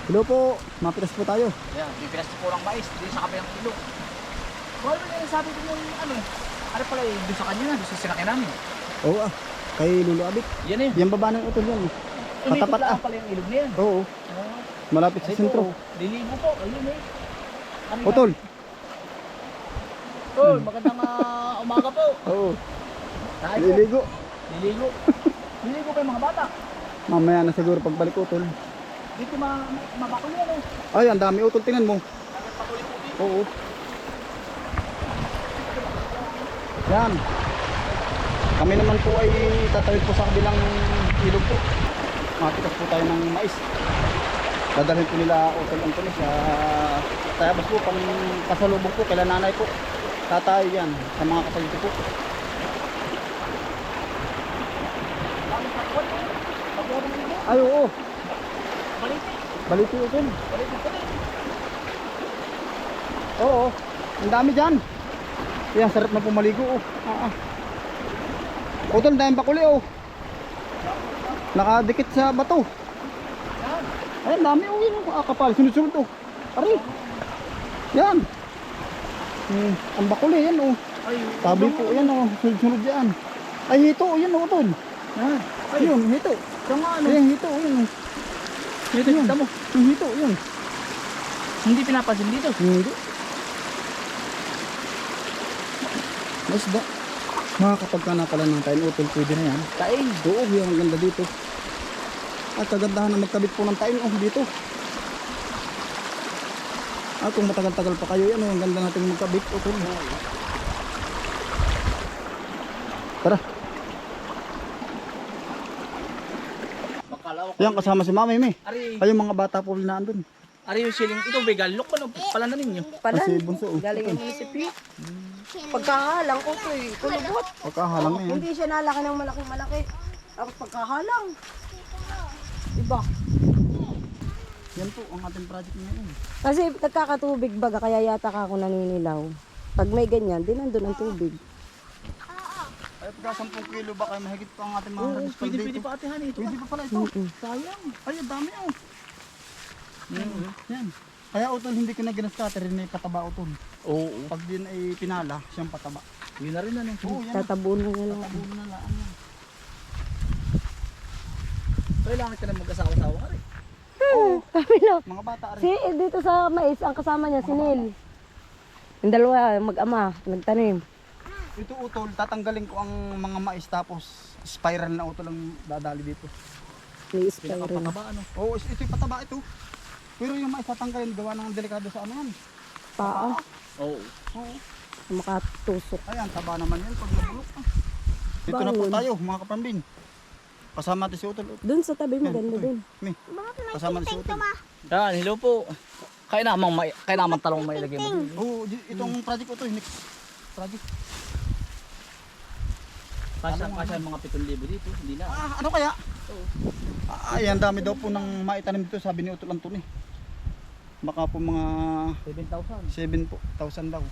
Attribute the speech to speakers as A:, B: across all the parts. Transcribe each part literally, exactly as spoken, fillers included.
A: Hello po, mapitas po tayo.
B: Ayan, pipilas po ng mais dito sa kabilang ilog. Well, yung sabi ko yung ano, ano pala eh, doon sa kanya na, doon sa sinakyan namin.
A: Oo ah, kay Lulu Abit.
B: Yan eh.
A: Yan baba ng utol yan.
B: Umikot
A: Patapat
B: lang
A: ah.
B: pala yung ilog na yan.
A: Oo,
B: Oh,
A: malapit sa
B: ay
A: sentro.
B: po, liligo po, ayun eh. Ano yan?
A: Utol.
B: Tol, magandang ah, umaga po.
A: Oo,
B: Tayo po,
A: liligo.
B: liligo. Liligo kayo mga bata.
A: Mamaya na siguro pagbalik utol.
B: Dito ma ma- mabakol yan eh.
A: Ay, ang dami utol, tingnan mo.
B: Nagpatuloy po dito.
A: Oo. Yan. Kami naman po ay tatawid po sa kabilang ilog po. Mapitas po tayo ng mais. Dadalhin po nila Utol Antonis sa Tayabas po pang pasalubong po kay nanay po. Tatay yan sa mga kapatid ko po. Ay oo.
B: Baliti.
A: Baliti Utol.
B: Baliti po rin.
A: Oo. Ang dami dyan. Yan, sarap na pumaligo oh. Ah, ah. Utol, dahil bakuli oh. Nakadikit sa bato.
B: Yan.
A: Ay, ang dami oh, yun oh. Ah, kapal, sunod-sunod oh. Pare. Yan. Hmm, ang bakuli yan oh.
B: Ay,
A: Tabi po yan oh, sunod-sunod yan. Ay, hito oh, yan oh, Utol.
B: Yan. Ay,
A: Ayun, hito.
B: ito nga ano.
A: Ayan, hito oh, yun oh.
B: Dito,
A: Yun.
B: kita mo.
A: Yung hito, yun.
B: Hindi pinapansin dito.
A: Hindi. Mas ba? Makakapag ka na pala ng tayo, Utol, pwede na yan.
B: Kain.
A: Oo, yung ang ganda dito. At kagandahan na magkabit po ng tayo oh, dito. At kung matagal-tagal pa kayo yan, oh, ang ganda natin magkabit. Utol. Tara.
B: Bakalaw.
A: Yan, kasama si Mami, May.
B: Ari,
A: Ay, yung mga bata po na andun.
B: ari yung siling. Ito, vegan. Look mo, pala na ninyo.
A: Kasi
C: Palan,
A: bunso. Oh.
C: galing ng munisipyo. Pagkahalang ko to eh, kulubot.
A: Pagkahalang na yan.
C: Hindi siya nalaki ng malaking malaki. Tapos pagkahalang. Diba?
A: Yan po ang ating project ngayon.
C: Kasi nagkakatubig baga, kaya yata ka ako naninilaw. Pag may ganyan, din nandun ang tubig.
A: Ay, pagka sampung kilo ba kayo mahigit pa ang ating mga
B: Oo,
A: harvest
B: pwede,
A: dito.
B: pwede pa atihan ito.
A: Pwede pa pala ito.
C: Mm-mm.
A: Sayang. Ay, ang dami oh. Mm. Yan. Kaya utol, hindi ko na ginaskater rin may pataba utol.
B: Oo.
A: Pag din ay pinala, siyang pataba.
B: Yun na rin ano.
A: Oo, yan.
C: Tatabunan na lang.
A: Tatabunan na lang yan.
B: Kailangan ka na mag-asawa-sawa ka rin.
C: Oo, kami lang.
A: Mga bata rin.
C: Si eh, dito sa mais, ang kasama niya, si Neil. Yung dalawa, mag-ama, nagtanim.
A: Ito utol, tatanggalin ko ang mga mais tapos spiral na utol ang dadali dito.
C: May spiral.
B: Pinakapataba ano.
A: Oo, is- ito'y pataba ito. Pero yung mais tatanggalin, gawa ng delikado sa ano yan.
C: Paa,
B: Oo.
A: Oo.
C: makatusok.
A: Ayan, taba naman yan pag nabulok. Ah. Dito na po
C: Bangon.
A: tayo, mga kapambin. Kasama natin si Utol.
C: Doon sa tabi, maganda
A: Yan,
C: din.
A: May. Kasama natin si Utol.
B: Yan, hello po. Kaya namang may, kaya namang talong may lagay mo.
A: Oo, di- itong project ko to, next project.
B: Kasya, kasya ang mga pitong libo dito. Hindi na.
A: Ah, ano kaya? Ah, ay, ang dami daw po ng maitanim dito, sabi ni Utol Anton eh. Baka po mga
B: seven thousand.
A: seven po, thousand daw.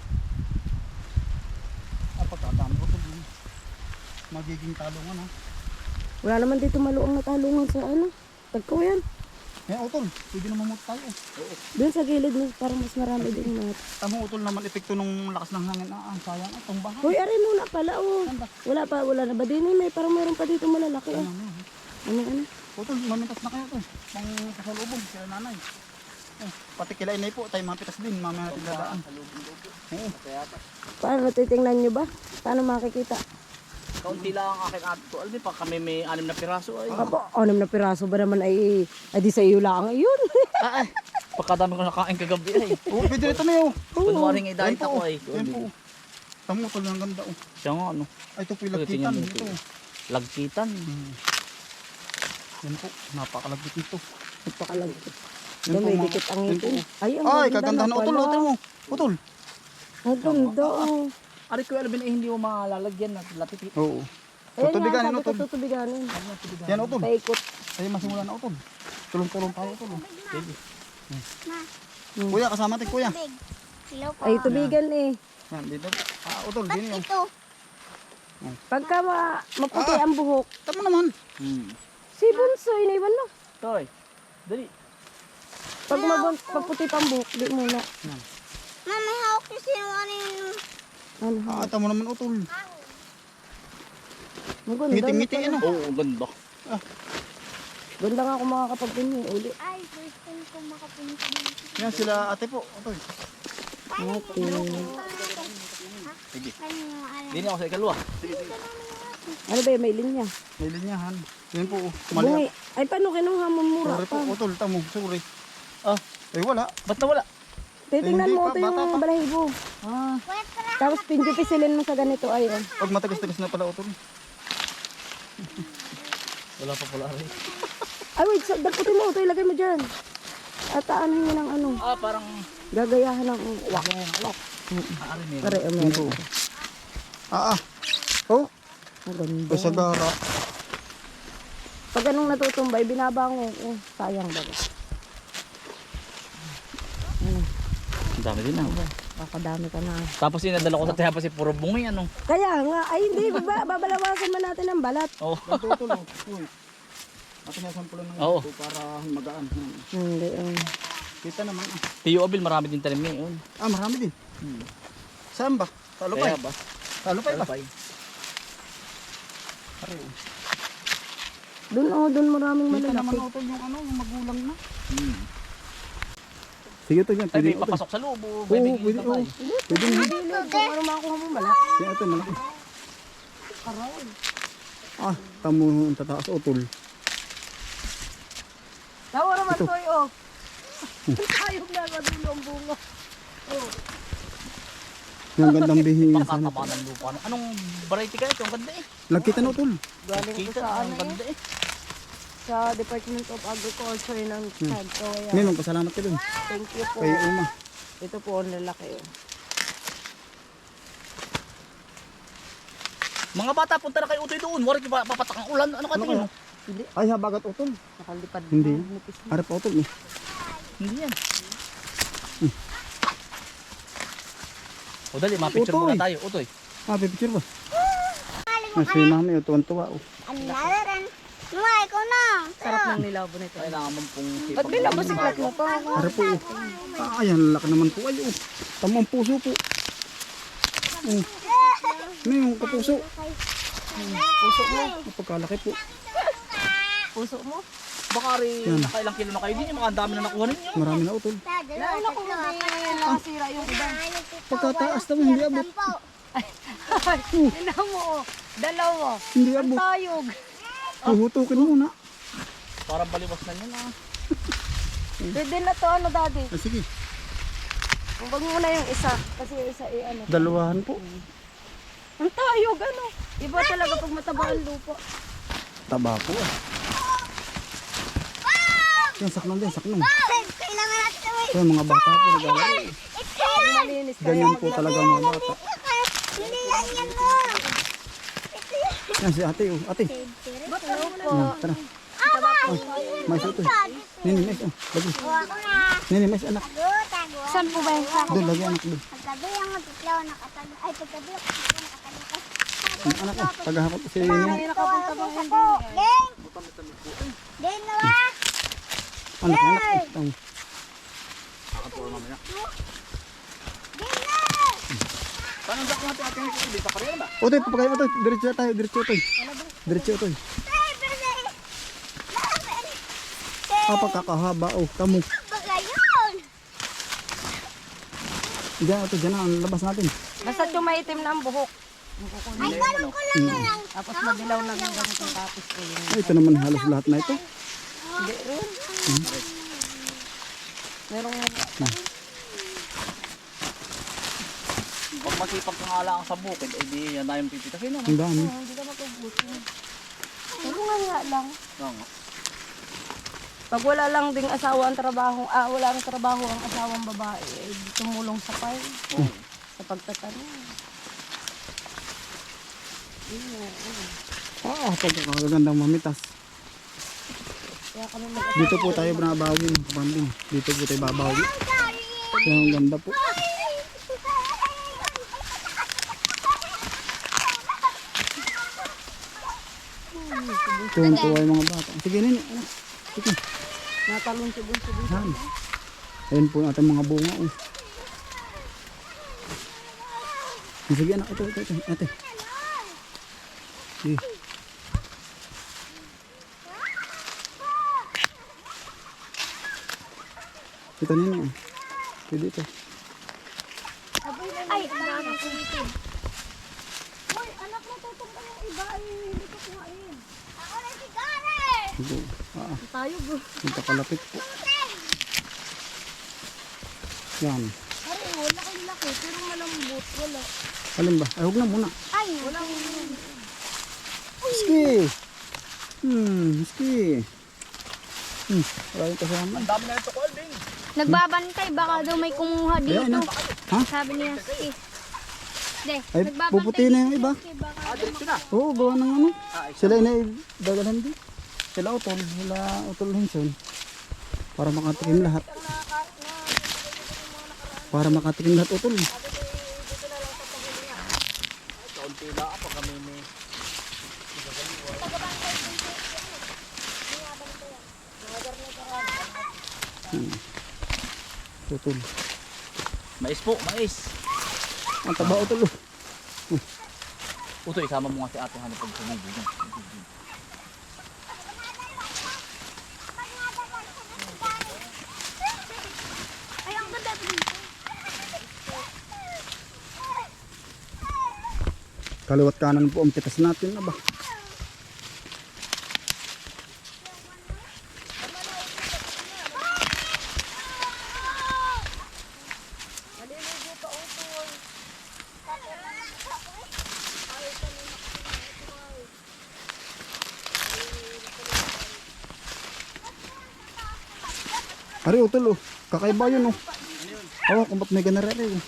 A: Ah, pagkatami ko to. Magiging talungan ha.
C: Wala naman dito maluang na talungan sa ano. Tagko yan.
A: Yan Utol, pwede naman mo tayo.
C: Doon sa gilid mo, parang mas marami din mat.
A: Tama Utol naman epekto nung lakas ng hangin. Ah, ang sayang ah, tumbahan.
C: Hoy, aray muna pala oh. Wala pa, wala na ba din eh? May parang meron pa dito malalaki ah.
A: Ano, ano.
C: Ano, ano?
A: Utol, mamintas na kayo to. Pang kasalubong, sila nanay. Eh, pati kila inay po, tayo mapitas din, mamaya natin dadaan. Oo.
C: Paano titingnan nyo ba? Paano makikita?
B: Kaunti lang ang aking ato. Alam mo pa kami may anim na piraso ay.
C: Apo, anim na piraso ba naman ay, ay di sa iyo lang yun.
B: Ah, ay. Pagkadami ko nakain kagabi ay.
A: Oo, pwede ito na yun.
B: Kunwaring idahit ako ay.
A: Yan po. Tamo Utol, ang ganda oh.
B: Siya nga ano.
A: Ay, ito po yung
B: Ito, tingnan
A: lagkitan.
B: mo ito.
A: Ito.
B: Lagkitan.
A: Hmm. Yan po, napakalagkit nito.
C: Nagpakalagkit.
A: Yan po,
C: May
A: mga-
C: dikit ang
A: yan
C: ngipin.
A: po.
C: Ay, ang
A: Ay,
C: ganda
A: kagandahan na Utol,
C: pala.
A: Utol mo. Utol.
C: Ang ganda oh.
B: Ari ko Alvin ay hindi mo malalagyan na latipit.
A: Oo.
C: Ayan nga,
A: Tutubiganin
C: sabi ko
A: Utol.
C: tutubiganin.
A: Yan Utol.
C: Paikot.
A: Ay, masimula na Utol. Tulong-tulong tayo Utol. oh.
B: Sige.
C: Hmm.
A: Kuya, kasama natin kuya.
D: Hello po.
C: Ay, tubigan eh.
A: Yan, dito. Ah, Utol, gini yun.
D: Ito.
C: Pagka ma maputi
A: Ah.
C: ang buhok,
A: Tama naman.
B: Hmm.
C: si Bunso, iniwan mo.
B: Toy. Dali.
C: Pag mabon, pag puti pang buhok, di muna.
D: Mama, may hawak yung sinungaling yung...
C: Ano?
A: Ah, ata mo naman utol.
C: Maganda.
A: Ngiti-ngiti ano.
B: Oo, oh, ganda.
C: Ganda nga kung makakapagpinyo uli.
D: Ay, first time ko makapunta dito.
A: Yan sila ate po. Utol.
C: Okay.
B: Sige.
D: Ano yung alam?
B: Dini ako sa ikalwa.
C: Ano ba yun? May linya.
A: May linyahan. Yan po. oh. Mali.
C: Bungi. Ay, paano kinuha mo mura
A: Sorry po
C: pa?
A: utol. Tamo. Sorry.
B: Ah,
A: Eh wala.
B: ba't nawala?
C: Titingnan
A: Hindi
C: mo
A: pa,
C: ito
A: bata
C: yung
A: pa.
C: balahibo.
B: Ah,
C: Tapos pinjupisilin mo sa ganito ay oh.
A: Pag matagas-tagas na pala utol.
B: wala pa pala rin.
C: Ay wait, sa- daputin mo ito, ilagay mo dyan. At aanin mo ng ano,
B: Ah, parang...
C: gagayahan ng wak.
B: Ah, rin eh.
C: Pare,
A: Yan po.
C: umero.
A: Ah ah. Oh.
C: Maganda.
A: Basagara.
C: Pag anong natutumbay, binabango. Oh, sayang ba? Ano,
B: Ang dami din ah.
C: kakadami ka na.
B: Tapos inadala ko sa tiha pa si puro bungi ano.
C: Kaya nga, ay hindi, baba, babalawasan man natin ang balat.
B: Oo.
A: Yan po utol. oh. Uy. Atin na sampulan ng
B: Oo.
A: ito para magaan. Hmm.
C: Hindi, um,
A: Kita naman. Ah,
B: Tiyo Abil, marami din talim ngayon.
A: ah marami din.
B: Hmm.
A: Saan ba? Talupay.
B: Kaya ba?
A: Talupay ba?
B: Talupay.
C: dun oh, dun maraming
A: Kita naman
C: malalaki.
A: utol yung ano, yung magulang na.
B: Hmm.
A: Sige to yan.
B: Ay,
A: Pwede
B: may
A: utol.
B: papasok sa loob.
A: Oo,
B: Oh. May bigyan
A: pwede.
B: ka
A: Oo.
B: tayo.
A: Pwede na.
C: Hindi, kung ano makuha mo malaki.
A: Yan ito, malaki. Ah, tamo ang tataas utol.
C: Tawa naman
A: Ito.
C: to oh. Ayok na madulo ang bunga.
A: Yung gandang bihinga sana.
B: Pakataba ng lupa. Anong variety kaya ito? Ang ganda eh.
A: Lagkita na utol.
C: Galing ko
B: Kita,
C: sa
B: ang
C: ano eh,
B: ganda eh.
C: sa Department of Agriculture ng Chad. So, kaya,
A: May magpasalamat ka dun.
C: thank you po.
A: Kay Uma.
C: Ito po ang lalaki oh.
B: Mga bata, punta na kayo utoy doon. Warit pa papatak ang ulan. Ano ka
A: Ano
B: tingin
A: kaya?
B: mo?
C: Hindi,
A: Ay, habagat utol.
C: nakalipad.
A: Hindi.
C: na, nipis na.
A: Harap pa utol eh.
B: Hindi yan. O dali, mapicture
A: Utoy.
B: muna tayo. Utoy.
A: Ah, pipicture ba? Ah, si mami, oh, tuwan-tuwa. Oh.
D: Ang lalaran. Mama, ikaw na.
C: Sarap ng nilabo nito.
B: Kailangan mong pong
C: Ba't binabusiklat mo to?
A: Harap po. Oh. Ah, ayan, laki naman po. Ay, oh. Tamo ang puso po. Oh. Ano yung kapuso?
C: Puso mo.
A: Napagkalaki po.
C: Puso mo.
B: Baka rin
A: Yan.
B: nakailang kilo na kayo din. Yung mga dami na nakuha ninyo.
A: Marami na utol.
C: Nauna ko na din nakasira yung iba.
A: Pagkataas naman, hindi abot.
C: Tignan mo oh. Dalawa.
A: Hindi
C: Ang
A: abot.
C: tayog.
A: Huhutukin muna.
B: Parang baliwas na yan ah.
C: Pwede na to ano daddy.
A: Ah, sige.
C: Huwag muna yung isa. Kasi yung isa eh ano.
A: Dalawahan po.
C: Ang tayog ano. Iba talaga pag mataba ang lupa.
A: Taba po ah. Yan, saknong din, saknong.
D: Kailangan natin gawin.
A: So, mga bata po naglalaro.
C: Pag malinis kaya.
A: Ganyan po talaga mga bata.
D: Hindi yan yan mo.
A: Yan si ate, oh. Ate.
C: Ba't ano po?
A: Yan, tara. Oh, mais ito. Nini, mais, oh. Lagi.
D: Ako na.
A: Nini, mais, anak.
D: Tago, tago.
C: Saan po ba yung sa?
A: Doon, lagi anak doon.
D: Pagkabi ang magtitlaw nakatago. Ay, pagkabi ang magtitlaw nakatago.
A: Ang anak, oh. Tagahakot si Nini.
C: Ay, nakapunta bang hindi?
D: Ding! Ding na ba?
A: Anak, anak. Oh, tama.
D: Ding na!
B: Paano ang natin ating hindi sa karera ba?
A: Otoy, papagayin mo to. Diretso tayo, diretso to. Diretso to.
D: Ay, berde!
A: Ah, pagkakahaba, oh. Tamo.
D: Baga yun!
A: Diyan, ito, diyan na. Ang labas natin.
C: Basta tumaitim na ang buhok.
D: Ay, ganun ko lang na lang.
C: Tapos madilaw na ng ganito tapos ko yun.
A: Ay, ito naman halos lahat na ito.
C: Hindi rin. Merong
B: Pag masipag kang ala sa bukid, eh di yan tayong pipitasin ano.
A: Ang dami.
C: hindi ka matubuto. Tulungan nga lang.
B: Oo nga.
C: Pag wala lang ding asawa ang trabaho, ah, wala ang trabaho ang asawang babae, eh, tumulong sa farm,
B: Oo.
C: sa pagtatanong.
A: Ah, pagkakagandang mamitas.
C: Kaya kami mag
A: Dito po tayo babawi, mga kapambing. Dito po tayo babawi. Kaya ang ganda po. Tuwan-tuwa yung mga bata. Sige, nini. Ano? Sige.
C: natalon si Bunso dun.
A: Yan. Ayun po ang ating mga bunga. Oh. Sige anak, ito, ito, ito, ate. Sige. Ito nino. Pwede ito.
D: Ay, anak. Hoy, anak mo, tutong ka yung iba. Ay, hindi ko kuhain. Ako na si Gare!
A: Ito. Ah,
C: Tayo bro.
A: ito kalapit po. Yan.
C: Pare, wala kang laki. Pero malambot. Wala.
A: Alin ba? Ay, huwag na muna.
D: Ay,
C: Wala kang
A: Ski! Hmm, ski. Hmm, wala yung kasama.
B: Ang dami na ito ko, Alvin.
D: nagbabantay. Baka daw may kumuha
A: Ayan
D: dito.
A: na. Ha?
D: Sabi niya, eh. De,
A: Ay, puputi na yung iba.
D: Baka
B: Ah, diretso na.
A: Oo, gawa ng ano.
B: Ah, isa.
A: Sila na dadalan din. Sila utol, sila utol Hinson. Para makatikim lahat. Para makatikim lahat utol.
B: Kaunti lang ako kami may...
A: Hmm. Utol.
B: Mais po, mais.
A: Ang taba utol. oh.
B: Uto, isama mo nga si ate hanap pag sumibig.
D: Ay, ang ganda dito.
A: Kaliwat kanan po ang pitas natin na ba? Ari utol oh. Kakaiba yun oh. Oo, kung ba't may ganarere oh.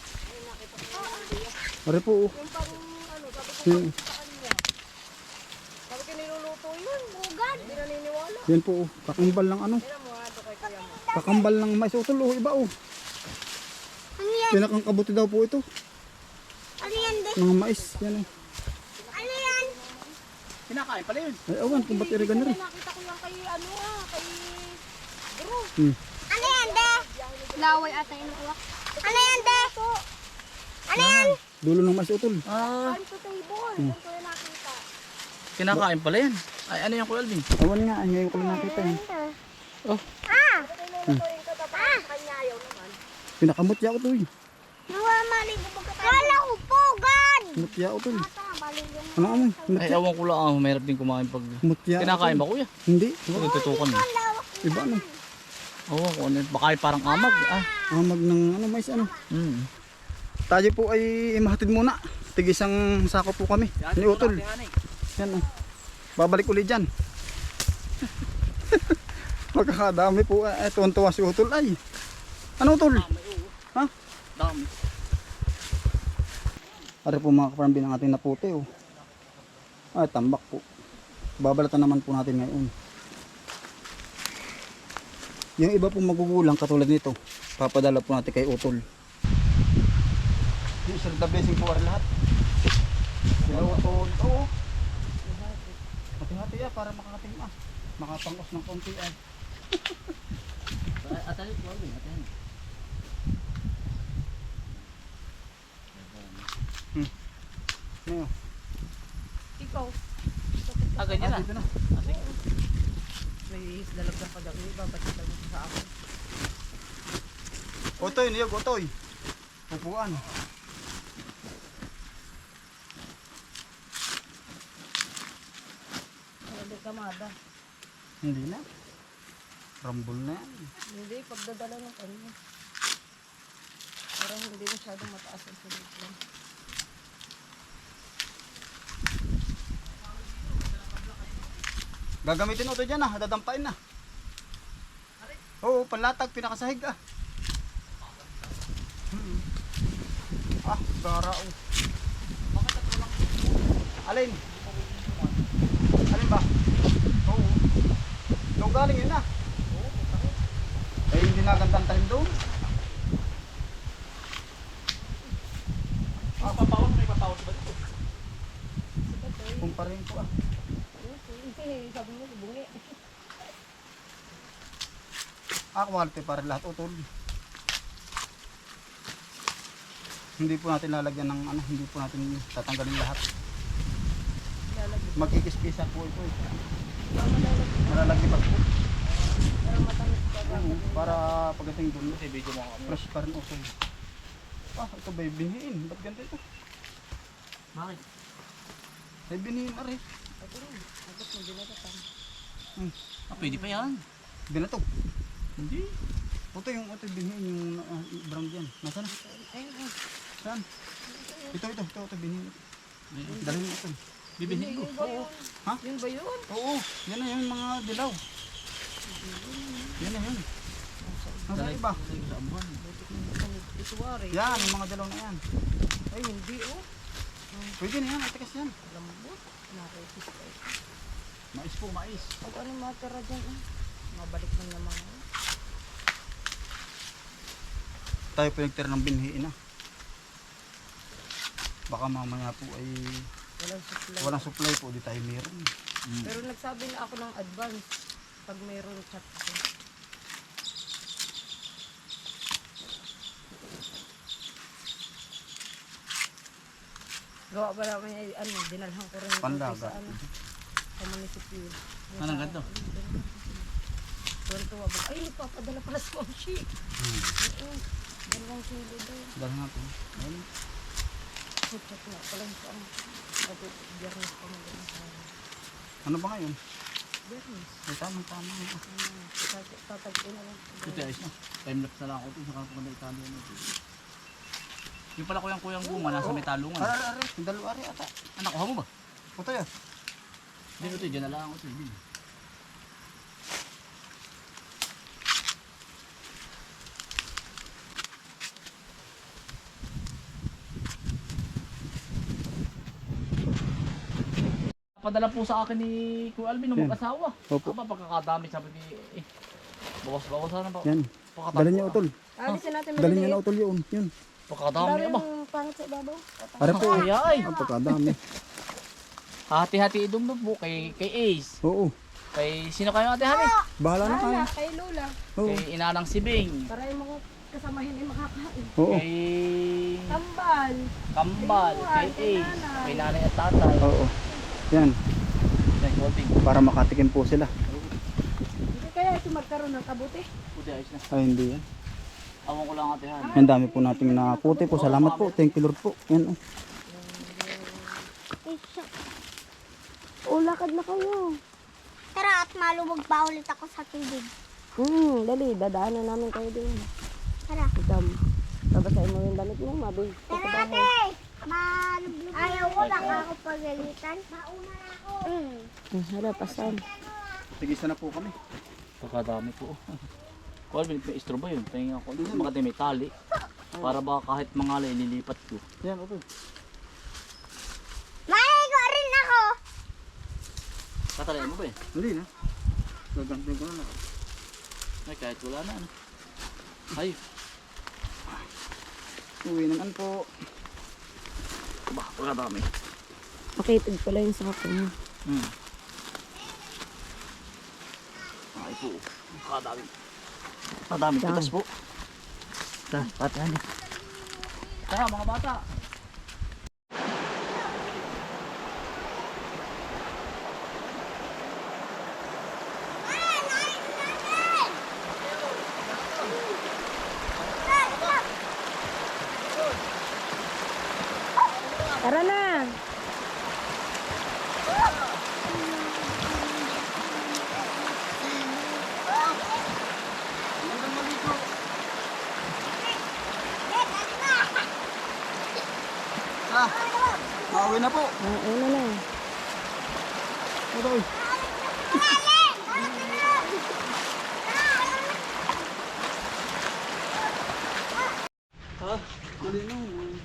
A: Ari po oh. Yan,
C: Sabi ko niluluto yun.
D: Bugad.
C: Hindi naniniwala.
A: yan po oh. Kakambal ng ano.
C: Tira mo nga ito kay kuya mo.
A: Kakambal ng mais utol oh. Iba oh.
D: Ano yan?
A: Pinakang kabuti daw po ito.
D: Ano yan, de?
A: Mga mais. Yan oh.
D: Ano yan?
B: Kinakain pala yun.
A: Ay awan kung ba't iri ganari.
C: Nakita ko yan kay ano ah. Kay bro.
A: Hmm.
D: Ano yan, de? Laway ata yung uwak. Ano yan, de? Ano yan?
A: Dulo ng mais utol.
B: Ah,
C: Time to table. Yan ko yung nakita.
B: kinakain pala yan. Ay, ano yan ko, Alvin?
A: Awan nga. Ngayon ko lang nakita eh.
B: Oh,
D: Ah!
C: Niluluto yung katapat. Kanya ayaw naman.
A: Pinakamutya ko to eh.
D: Nawamali ko pagkatapos. Kala ko pugad!
A: Mutya utol.
D: Ata, balik yung
A: Ano amoy?
B: ay,
A: Mutya.
B: awan ko lang. Ah, mahirap din kumain pag...
A: Mutya.
B: Kinakain
A: utol.
B: ba, kuya?
A: Hindi.
B: Ito, tutukan mo.
D: lawak.
A: Iba ano.
B: Oo, kung ano. Baka ay parang amag. Ah,
A: Amag ng ano mais ano.
B: hmm.
A: Tayo po ay imahatid muna. Tigisang sako po kami. Ni utol. Yan oh. Babalik ulit dyan. Magkakadami po. Eh, tuwan-tuwa si utol ay. Ano utol? Ha?
B: Dami.
A: Ari po mga kaparambin ang ating naputi oh. Ay tambak po. Babalatan naman po natin ngayon. Yung iba po magugulang katulad nito. Papadala po natin kay utol. Yung sir the blessing po ari lahat. Sila utol. Oo. Hati-hati ah para makakating ah. Makapangos ng konti ay.
B: Atalit mo, Alvin. Atalit.
A: Ano yun?
C: Ikaw.
B: Ah, ganyan
A: Ah,
B: na.
A: dito na.
B: Ah, sige.
C: May dalag ng pagdaki. Babalik mo sa ako.
A: Otoy, niyog, otoy. Pupuan.
C: Hindi kamada.
A: Hindi na. Rambol na yan.
C: Hindi, pagdadala ng kanya. Parang hindi masyadong mataas ang sulit lang.
A: Gagamitin mo ito dyan ah, dadampain na. Oo, panlatag, pinakasahig ah. Hmm. Ah, gara oh. Alin? Alin ba? Oo. Doon galing yun ah. Eh, hindi nagandang talim doon.
B: Ah, papawas. May papawas ba dito?
A: Kung pa rin po ah.
C: Sabi mo, bungi.
A: Ah, quality para lahat utol. Hindi po natin lalagyan ng ano, hindi po natin tatanggalin lahat.
C: Lalagyan.
A: Magkikis-kisa po ito eh.
C: Malalagyan.
A: Malalagyan po.
C: Pero matamis pa ba?
A: Oo, para pagdating doon,
B: Kasi video mo kami.
A: fresh pa rin utol. Ah, ito ba yung binihin? Ba't ganito ito?
B: Bakit?
A: Ay binihin na rin.
C: Ito rin. Agad mo binagatan.
A: Hmm.
B: Ah, pwede pa yan.
A: Binatog.
B: Hindi.
A: Ito yung ito yung binihin yung uh, brown dyan. Nasaan na?
C: Ayun, ayun.
A: Saan? Ito, ito, ito, ito binihin. Dalhin mo ito.
B: Bibihin ko.
C: Yun ba yun?
A: Ha?
C: Yun ba yun?
A: Oo, yan na yung mga dilaw. Yan na yun. Nasaan iba?
B: Sa amuhan.
C: Ito wari.
A: Yan, yung mga dilaw na yan.
C: Ay, hindi oh.
A: Pwede na yan, atikas yan.
C: Lambot. Nakikis pa ito.
B: Mais po, mais.
C: Pag ano yung matira dyan eh. Mabalik mo naman.
A: Tayo po nagtira ng binhiin na. Baka mamaya po ay
C: Walang supply.
A: walang supply po, di tayo meron.
B: Mm.
C: Pero nagsabi na ako ng advance. Pag mayroon chat ko. Gawa pa namin ay ano, dinalhan ko rin ito
A: Pandaga.
C: sa ano, sa munisipyo.
B: Anong ganito?
C: Tuwan-tuwa ba? Ay, nagpapadala pala sa Moshi.
A: Hmm.
C: Oo. Dalawang kilo daw.
A: Dahil natin. Ayun.
C: Chat na pala sa ano. Sabi, biyernes pa magaling sa ano.
A: Ano ba ngayon?
C: Biyernes.
A: Ay, tamang tama.
C: Ano, tatag- tatagpin na lang.
B: Ito ayos na. Time lapse na lang ako ito. Saka ako na italo na ito. Yung pala kuyang kuyang guma nasa may talungan.
A: Are, are, are. Yung dalawa are ata.
B: Ah, nakuha mo ba?
A: Puto yan.
B: Hindi ito, dyan na lang ako ito. Hindi. Padala po sa akin ni Kuya Alvin ng
A: Yan.
B: mag-asawa.
A: Opo.
B: Aba, pagkakadami sabi ni eh, bawas-bawasan na pa.
A: Yan.
B: Pagkatapos-
A: Dalhin niyo utol.
C: Alisin natin
A: Dalhin niyo
C: maliliit.
A: na utol yun. Yun.
B: Pagkakadami
C: Dami
B: aba.
C: yung pangit sa ibabaw.
A: Are po.
B: Ay, ay.
A: Ang pagkadami.
B: Hati-hati idumdum po kay, kay Ace.
A: Oo.
B: Kay sino kayo ate Hani?
A: Bahala na kayo.
C: Hala, kay Lola.
A: Oo.
B: Kay Inanang Sibing.
C: Para yung mga kasamahin ay makakain.
A: Oo.
B: Kay
C: Tambal.
B: Kambal. Kay
C: Kay
B: Ace.
C: nanay.
B: Kay nanay at tatay.
A: Oo. Yan.
B: Kay Golding.
A: Para makatikim po sila.
C: Hindi kaya ito magkaroon ng kabuti.
B: Puti ayos na.
A: Ay, hindi yan.
B: Awang ko lang ate Hani.
A: Ang dami po nating nakuti po. Salamat po. Thank you Lord po. Yan. Oh.
C: O, lakad na kayo.
D: Tara at maluwag pa ulit ako sa tubig.
C: Hmm, dali. Dadaanan namin kayo din.
D: Tara.
C: Idam. Babasahin mo yung damit mo, mabi.
D: Tara ate! Malublog. Ayaw ko lang ako pagalitan. Mauna na ako. Mm.
C: Hmm, hala, pasan.
A: Sige, sana po kami.
B: Pagkadami po. Kuya Alvin, may istro ba yun? Tingin ako. Dito makati may tali. Para ba kahit mangalay ililipat ko.
A: Yan, utol.
D: Maigo rin ako.
B: Tatalayan mo ba eh?
A: Hindi na. Gagantin ko na lang.
B: Ay, kahit wala na. Ano. Ay,
A: Uwi naman po.
B: ba, pagkadami.
C: Makitid pala yung sako mo.
B: Hmm. Ay po. Pagkadami. Pagkadami
C: Dami.
B: pitas po. Tara, ate Hani. Tara mga bata.
C: Tara na!
A: Ah, mauwi na po.
C: Ah, una na.
A: Utol. Ha? Mali na.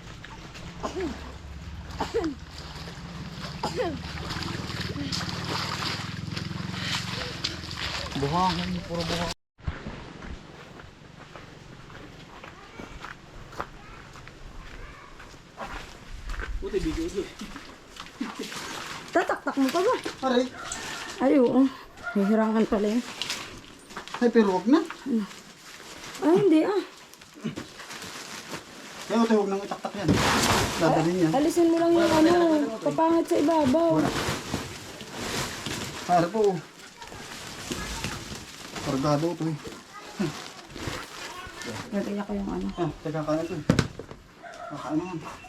B: Buhangin, puro buhangin. Puti, video ito.
C: Tataktak mo pa ba?
A: Aray.
C: Ay, oo. Hihirangan pala yun.
A: Ay, pero wag na.
C: Ay, hindi ah.
A: Kaya ito, huwag nang itaktak yan. Dadalhin yan.
C: Alisin mo lang yung ano, papangat sa ibabaw.
A: Para po. Kargado ito eh.
C: Nagaya ko yung ano.
A: Ah, teka, kain ito eh. Kakain naman.